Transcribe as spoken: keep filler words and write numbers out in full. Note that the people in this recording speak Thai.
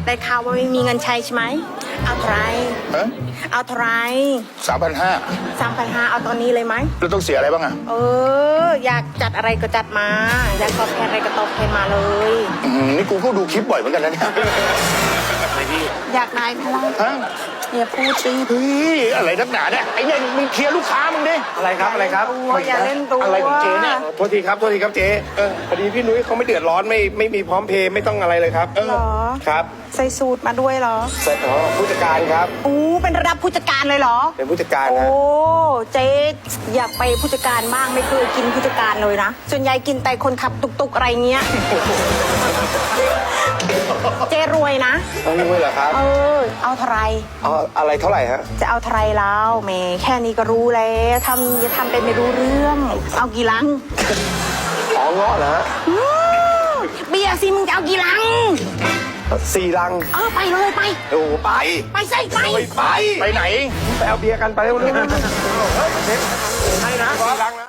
ได้ข่าวว่าไม่มีเงินใช้ใช่ไหมเอาเท่าไหรฮะเอาเท่าไหรสามพันห้าสามพันห้าเอาตอนนี้เลยไหมแล้วต้องเสียอะไรบ้างอ่ะเออ อยากจัดอะไรก็จัดมา อยากตอบแทนอะไรก็ตอบแทนมาเลยอืมนี่กูก็ดูคลิปบ่อยเหมือนกันนะเนี่ยอยากได้ไหมล่ะฮะอย่าพูดสิเฮ้ยอะไรนักหนาเนี่ยไอ้เนี่ยมึงเคลียร์ลูกค้ามึงดิอะไรครับอะไรครับตัวอย่าเล่นตัวอะไรของเจ๊เนี่ยโทษทีครับโทษทีครับเจ๊เออพอดีพี่นุ้ยเขาไม่เดือดร้อนไม่ไม่มีพร้อมเพย์ไม่ต้องอะไรเลยครับเออเหรอครับใส่สูตรมาด้วยเหรอเสร็จอ๋อผู้จัดการครับอู้เป็นระดับผู้จัดการเลยเหรอเป็นผู้จัดการโอ้นะเจ๊อยากไปผู้จัดการบ้างไม่เคยกินผู้จัดการเลยนะ ส่วนใหญ่กินแต่คนขับตุกๆอะไรเงี้ย เจ๊รวยนะต้องรู้เหรอครับเออ เอาเท่าไรเอาอะไรเท่าไหร่ฮะจะเอาเท่าไรแล้วแหมแค่นี้ก็รู้แล้วทำจะทำเป็นไม่รู้เรื่อง เอากี่ลังอ๋อเงาะเหรอฮะอืมเบียร์สิมึงจะเอากี่ลังสี่ลังเออไปเลยไปโอ้ไปไปใส่ไปโอ้ยไปไปไหนไปเอาเบียร์กันไปเร็วๆเฮ้ยเช็คให้นะสี่ลังนะ